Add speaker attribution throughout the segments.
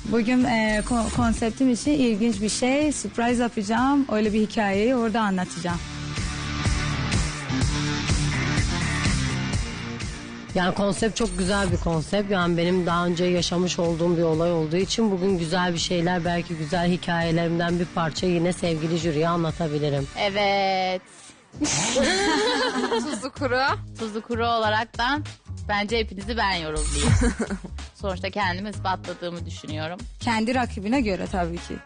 Speaker 1: Bugün konseptim için ilginç bir şey, surprise yapacağım. Öyle bir hikayeyi orada anlatacağım.
Speaker 2: Yani konsept çok güzel bir konsept. Yani benim daha önce yaşamış olduğum bir olay olduğu için bugün güzel bir şeyler, belki güzel hikayelerimden bir parça yine sevgili jüriye anlatabilirim.
Speaker 3: Evet.
Speaker 4: Tuzlu kuru.
Speaker 3: Tuzlu kuru olaraktan bence hepinizi ben yorumlayayım. Sonuçta kendimi ispatladığımı düşünüyorum.
Speaker 1: Kendi rakibine göre tabii ki.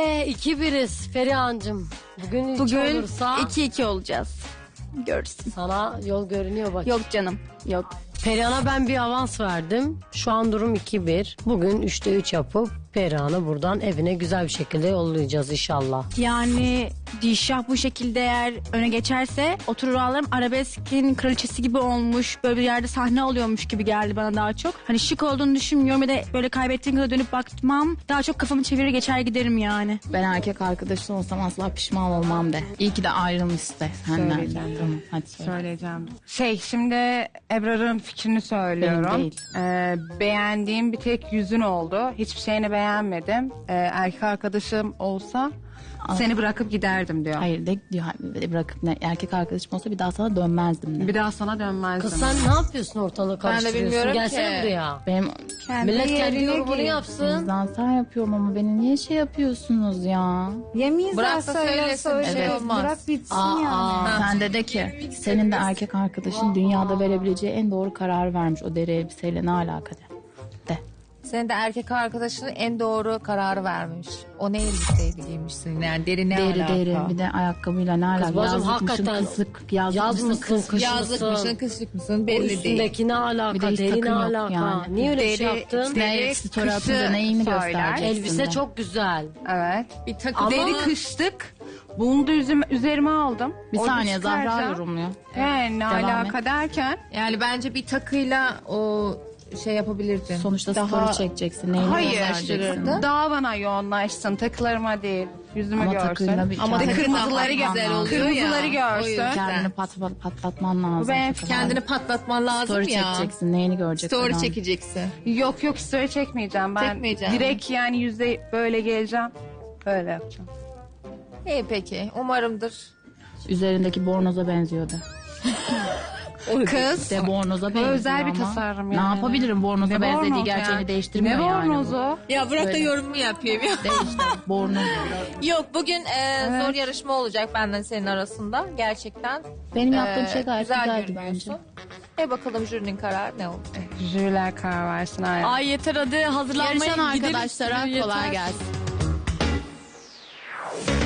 Speaker 2: 2-1'iz Ferihancığım. Bugün 2
Speaker 5: Bugün
Speaker 2: olursa
Speaker 5: 2-2 olacağız. Görürsün.
Speaker 2: sana yol görünüyor bak.
Speaker 5: Yok canım, yok.
Speaker 2: Perihan'a ben bir avans verdim. Şu an durum 2-1. Bugün 3'te 3 yapıp Perihan'ı buradan evine güzel bir şekilde yollayacağız inşallah.
Speaker 5: Yani Dişah bu şekilde eğer öne geçerse oturur ağlarım. Arabeskin kraliçesi gibi olmuş. Böyle bir yerde sahne oluyormuş gibi geldi bana daha çok. Hani şık olduğunu düşünmüyorum ya da böyle kaybettiğim kadar dönüp bakmam. Daha çok kafamı çevirir geçer giderim yani.
Speaker 3: Ben erkek arkadaşın olsam asla pişman olmam de. İyi ki de ayrılmış de senden.
Speaker 6: Söyleyeceğim.
Speaker 3: Tamam, hadi söyle.
Speaker 6: Söyleyeceğim. Şimdi Ebrar'ın fikrini söylüyorum.
Speaker 3: Benim değil.
Speaker 6: Beğendiğim bir tek yüzün oldu. Hiçbir şeyini beğenmedim. Erkek arkadaşım olsa seni bırakıp giderdim diyor.
Speaker 3: Hayır de diyor, bırakıp erkek arkadaşım olsa bir daha sana dönmezdim de.
Speaker 6: Bir daha sana dönmezdim.
Speaker 2: Kız sen ne yapıyorsun, ortalığı karıştırıyorsun?
Speaker 4: bilmiyorum
Speaker 2: Gelsene
Speaker 4: ki.
Speaker 2: buraya.
Speaker 3: Benim
Speaker 2: Millet kendi yorumunu yapsın.
Speaker 3: zaten yapıyorum ama beni niye şey yapıyorsunuz ya?
Speaker 1: Yemeyiz
Speaker 4: Bırak
Speaker 1: daha
Speaker 4: da
Speaker 1: söyle
Speaker 4: söylesin, bir şey
Speaker 1: söyle.
Speaker 4: olmaz.
Speaker 1: Bırak bitsin
Speaker 2: Aa,
Speaker 1: yani.
Speaker 3: Sen de ki senin de erkek arkadaşın dünyada verebileceği en doğru kararı vermiş. O deri elbiseyle ne alaka de.
Speaker 4: Senin de erkek arkadaşının en doğru kararı vermiş. O ne elbiseydi giymişsin yani deri ne alaka?
Speaker 3: Deri bir de ayakkabıyla ne alaka?
Speaker 2: Kız bacım,
Speaker 3: Yazlıkmışsın,
Speaker 2: hakikaten
Speaker 3: kısık,
Speaker 2: yazmışsın,
Speaker 3: kısık.
Speaker 2: kış
Speaker 4: Yazlık mısın
Speaker 2: mısın?
Speaker 4: kışlık mısın
Speaker 2: O
Speaker 4: belli değil.
Speaker 2: üstündeki ne
Speaker 3: Bir
Speaker 2: alaka,
Speaker 3: de hiç
Speaker 2: deri ne
Speaker 3: takım yok
Speaker 2: alaka?
Speaker 3: yani.
Speaker 2: Niye öyle bir şey
Speaker 6: Deri-
Speaker 2: yaptın?
Speaker 6: deri
Speaker 3: Story
Speaker 6: kışı
Speaker 3: atınca neyini
Speaker 6: söyler.
Speaker 3: göstereceksin
Speaker 2: Elbise
Speaker 3: de?
Speaker 2: çok güzel.
Speaker 6: Evet.
Speaker 4: Bir takı
Speaker 2: Ama-
Speaker 6: Deri kışlık. Bunu da üzerime aldım.
Speaker 3: Bir
Speaker 6: Orada
Speaker 3: saniye Zahra
Speaker 6: çıkaracağım.
Speaker 3: yorumluyor.
Speaker 6: Ne
Speaker 3: Devam
Speaker 6: alaka derken.
Speaker 4: yani bence bir takıyla o şey yapabilirdin.
Speaker 3: Sonuçta
Speaker 6: Daha-
Speaker 3: story çekeceksin. Neyini
Speaker 6: Hayır.
Speaker 3: göstereceksin?
Speaker 6: Daha bana yoğunlaşsın. Takılarıma değil. Yüzümü
Speaker 3: Ama
Speaker 6: görsün.
Speaker 3: takıyla bir
Speaker 4: Ama
Speaker 3: kendini
Speaker 4: kırmızıları güzel
Speaker 3: patlatman
Speaker 4: oluyor
Speaker 3: lazım.
Speaker 4: ya.
Speaker 6: Kırmızıları görsün.
Speaker 4: O yüzden.
Speaker 3: Kendini patlatman lazım.
Speaker 6: Bu benim
Speaker 4: Kendini patlatman lazım
Speaker 3: story
Speaker 4: ya.
Speaker 3: çekeceksin. Neyini görecek
Speaker 4: Story
Speaker 3: adam?
Speaker 4: çekeceksin.
Speaker 6: Yok story çekmeyeceğim. Ben
Speaker 4: Çekmeyeceğim.
Speaker 6: direkt yani yüzde böyle geleceğim. Böyle yapacağım.
Speaker 4: İyi peki umarımdır.
Speaker 3: Üzerindeki bornoza benziyordu.
Speaker 6: Kız.
Speaker 3: De bornoza benziyor
Speaker 6: özel bir
Speaker 3: ama.
Speaker 6: tasarım
Speaker 3: Ne
Speaker 6: yani.
Speaker 3: yapabilirim? Bornoza
Speaker 6: Ne
Speaker 3: benzediği
Speaker 6: bornoz
Speaker 3: gerçeğini
Speaker 6: ya?
Speaker 3: değiştirmiyor
Speaker 6: Ne
Speaker 3: yani.
Speaker 6: bornozu?
Speaker 4: Ya bırak da
Speaker 3: Böyle.
Speaker 4: yorumumu yapayım ya.
Speaker 3: Değişti. Bornoz.
Speaker 4: Yok bugün zor yarışma olacak benden senin arasında. Gerçekten.
Speaker 3: Benim yaptığım şey gayet güzeldi
Speaker 4: görünüyorsun.
Speaker 3: bence.
Speaker 4: Bakalım jürinin kararı ne oldu?
Speaker 6: Jüriler karar versin. Aynen.
Speaker 5: Ay yeter hadi hazırlanmaya
Speaker 3: Yarışan
Speaker 5: gidelim.
Speaker 3: arkadaşlara
Speaker 5: Yeter.
Speaker 3: kolay gelsin.